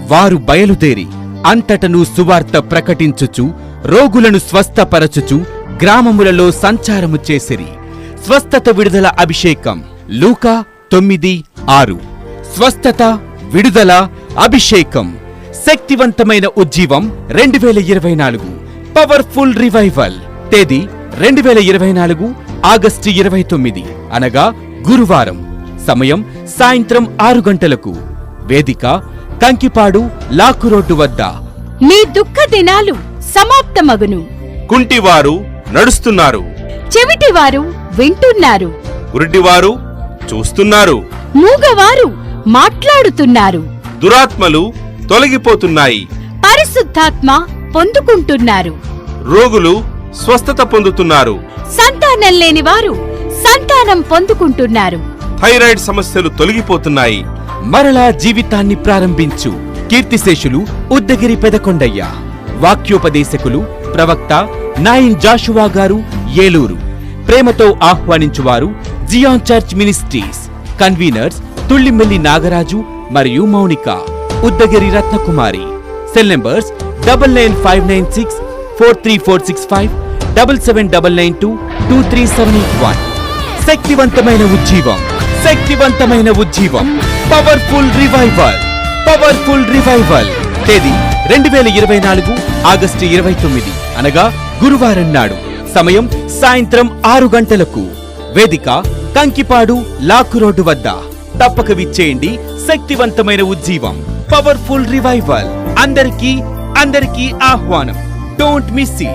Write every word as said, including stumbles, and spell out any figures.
వారు బయలుదేరి అంతటను సువార్త ప్రకటించుచు రోగులను స్వస్థపరచుచు గ్రామములలో సంచారము చేసిరి. స్వస్థత విడుదల అభిషేకం లూకా తొమ్మిది ఆరు. స్వస్థత విడుదల అభిషేకం శక్తివంతమైన ఉజ్జీవం రెండు వేల ఇరవై నాలుగు పవర్ఫుల్ రివైవల్. తేదీ రెండు వేల ఇరవై నాలుగు ఆగస్టు ఇరవై తొమ్మిది అనగా గురువారం. సమయం సాయంత్రం ఆరు గంటలకు. వేదిక కంకిపాడు లాకు రోడ్డు వద్ద. మీ దుఃఖ దినాలు సమాప్తమగును. కుంటివారు నడుస్తున్నారు, చెవిటివారు వింటున్నారు, గుడ్డివారు చూస్తున్నారు, మూగవారు మాట్లాడుతున్నారు, దురాత్మలు తొలగిపోతున్నాయి, పరిశుద్ధాత్మ పొందుకుంటున్నారు, రోగులు స్వస్థత పొందుతున్నారు, సంతానం లేని వారు సంతానం పొందుకుంటున్నారు, థైరాయిడ్ సమస్యలు తొలగిపోతున్నాయి. మరలా జీవితాన్ని ప్రారంభించు. కీర్తిశేషులు ఉద్దగిరి పెదకొండయ్య. వాక్యోపదేశకులు ప్రవక్త నాయిన్ జాషువా గారు ఏలూరు. ప్రేమతో ఆహ్వానించువారు Zion church ministries. Conveners Tullimelli Nagaraju మరియు Mounika. Uddagiri Ratnakumari. Cell numbers double nine five nine six four three four six five double seven double nine two two three seven eight one. శక్తివంతమైన ఉజ్జీవం, శక్తివంతమైన ఉజ్జీవం, పవర్ఫుల్ రివైవల్, పవర్ఫుల్ రివైవల్. తేదీ రెండు వేల ఇరవై నాలుగు ఆగస్టు ఇరవై తొమ్మిది అనగా గురువారం నాడు. సమయం సాయంత్రం ఆరు గంటలకు. వేదిక కంకిపాడు లాకు రోడ్డు వద్ద. తప్పక విచ్చేయండి. శక్తివంతమైన ఉజ్జీవం, పవర్ఫుల్ రివైవల్. అందరికీ అందరికీ ఆహ్వానం. Don't miss it.